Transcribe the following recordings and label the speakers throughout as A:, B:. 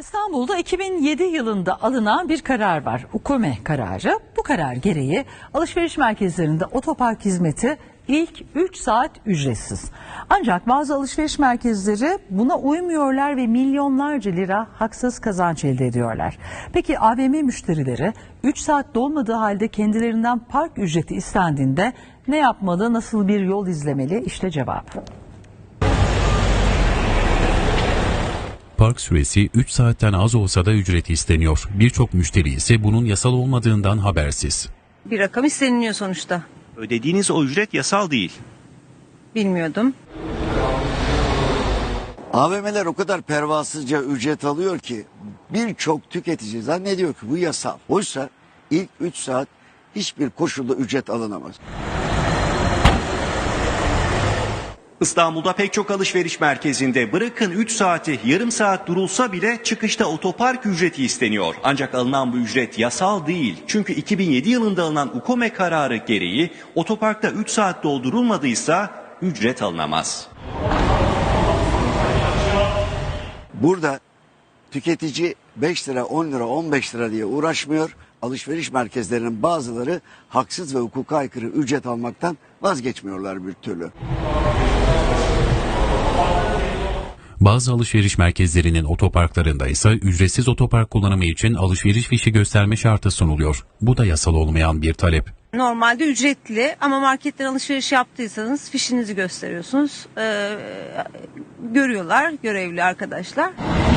A: İstanbul'da 2007 yılında alınan bir karar var. UKOME kararı. Bu karar gereği alışveriş merkezlerinde otopark hizmeti ilk 3 saat ücretsiz. Ancak bazı alışveriş merkezleri buna uymuyorlar ve milyonlarca lira haksız kazanç elde ediyorlar. Peki AVM müşterileri 3 saat dolmadığı halde kendilerinden park ücreti istendiğinde ne yapmalı, nasıl bir yol izlemeli? İşte cevap.
B: Park süresi 3 saatten az olsa da ücreti isteniyor. Birçok müşteri ise bunun yasal olmadığından habersiz.
C: Bir rakam isteniliyor sonuçta.
D: Ödediğiniz o ücret yasal değil.
C: Bilmiyordum.
E: AVM'ler o kadar pervasızca ücret alıyor ki birçok tüketici zannediyor ki bu yasal. Oysa ilk 3 saat hiçbir koşulda ücret alınamaz.
D: İstanbul'da pek çok alışveriş merkezinde bırakın 3 saati yarım saat durulsa bile çıkışta otopark ücreti isteniyor. Ancak alınan bu ücret yasal değil. Çünkü 2007 yılında alınan UKOME kararı gereği otoparkta 3 saat doldurulmadıysa ücret alınamaz.
E: Burada tüketici 5 lira, 10 lira, 15 lira diye uğraşmıyor. Alışveriş merkezlerinin bazıları haksız ve hukuka aykırı ücret almaktan vazgeçmiyorlar bir türlü.
B: Bazı alışveriş merkezlerinin otoparklarında ise ücretsiz otopark kullanımı için alışveriş fişi gösterme şartı sunuluyor. Bu da yasal olmayan bir talep.
C: Normalde ücretli ama marketten alışveriş yaptıysanız fişinizi gösteriyorsunuz. Görüyorlar görevli arkadaşlar.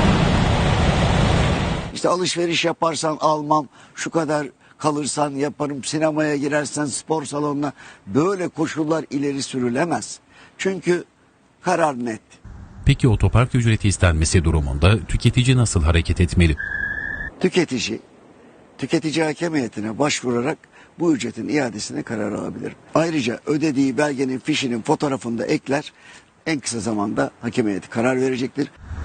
E: İşte alışveriş yaparsan almam, şu kadar kalırsan yaparım, sinemaya girersen spor salonuna, böyle koşullar ileri sürülemez. Çünkü karar net.
B: Peki otopark ücreti istenmesi durumunda tüketici nasıl hareket etmeli?
E: Tüketici hakem heyetine başvurarak bu ücretin iadesine karar alabilir. Ayrıca ödediği belgenin fişinin fotoğrafını da ekler. En kısa zamanda hakem heyeti karar verecektir.